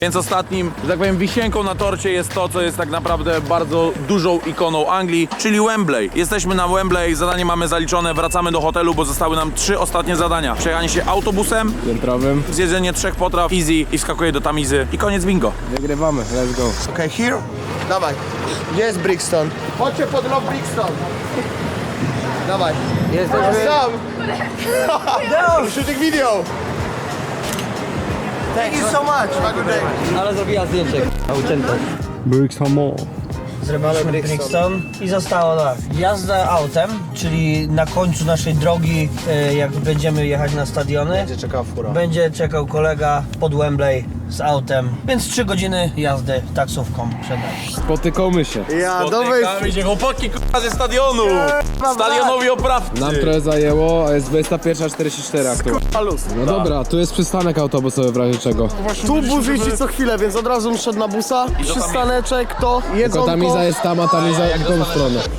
Więc ostatnim, że tak powiem, wisienką na torcie jest to, co jest tak naprawdę bardzo dużą ikoną Anglii, czyli Wembley. Jesteśmy na Wembley, zadanie mamy zaliczone, wracamy do hotelu, bo zostały nam 3 ostatnie zadania. Przejechanie się autobusem, Piętrowym. zjedzenie 3 potraw, easy i wskakuje do tamizy i koniec bingo. Wygrywamy, let's go. Okay, here? Dawaj. Gdzie jest Brixton? Chodźcie pod lot Brixton. Dawaj. Jesteśmy... Sam! Shooting video! Thank you so much. Have a good day. Ale zrobiła zdjęcie, ucięte. Zrobiliśmy Brixton i zostało tak. Jazda autem, czyli na końcu naszej drogi, jak będziemy jechać na stadiony, Będzie czekała fura. będzie czekał kolega pod Wembley z autem, więc 3 godziny jazdy taksówką przed nami. Spotykamy się. Ja, Spotykamy się, chłopaki, k***a, ze stadionu! Stadionowi oprawcy! Nam trochę zajęło, a jest 21:44 aktualnie. No dobra, tu jest przystanek autobusowy w razie czego. Tu bus jeździ co chwilę, więc od razu szedł na busa. Przystaneczek, to Tylko jedzonko. tamiza jest tam, a tamiza w tą stronę.